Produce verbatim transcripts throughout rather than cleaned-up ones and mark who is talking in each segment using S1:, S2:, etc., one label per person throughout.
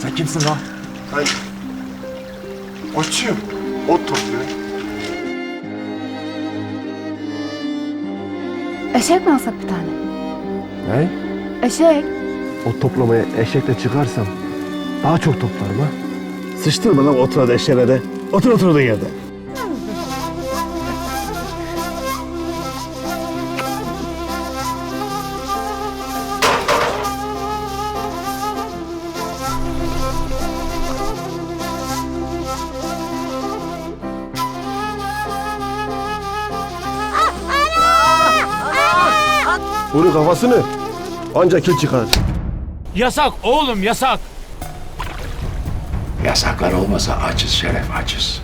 S1: Sen kimsin lan?
S2: Ben otçuyum. Ot topluyorum.
S3: Eşek mi alsak bir tane?
S4: Ne?
S3: Eşek.
S4: O toplamaya eşekle çıkarsam daha çok toplarım ha.
S5: Sıçtırma lan otura da eşeğine de. Otur oturduğun yerde.
S4: Bunun kafasını ancak kil çıkar.
S1: Yasak oğlum yasak.
S6: Yasaklar olmasa açız Şeref, açız.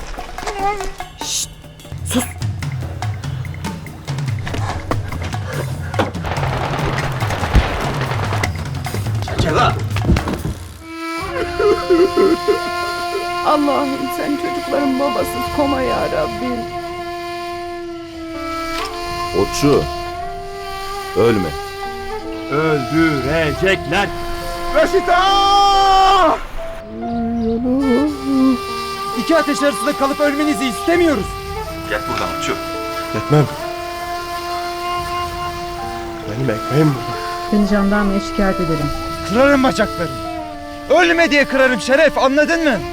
S3: Allah'ım sen çocukların babasız koma ya Rabbim.
S4: Otçu, ölme.
S1: Öldürecekler.
S7: İki ateş arasında kalıp ölmenizi istemiyoruz.
S2: Gel buradan otçu.
S4: Gitmem. Benim ekmeğim burada.
S8: Seni jandarmaya şikayet ederim.
S7: Kırarım bacaklarını. Ölme diye kırarım Şeref, anladın mı?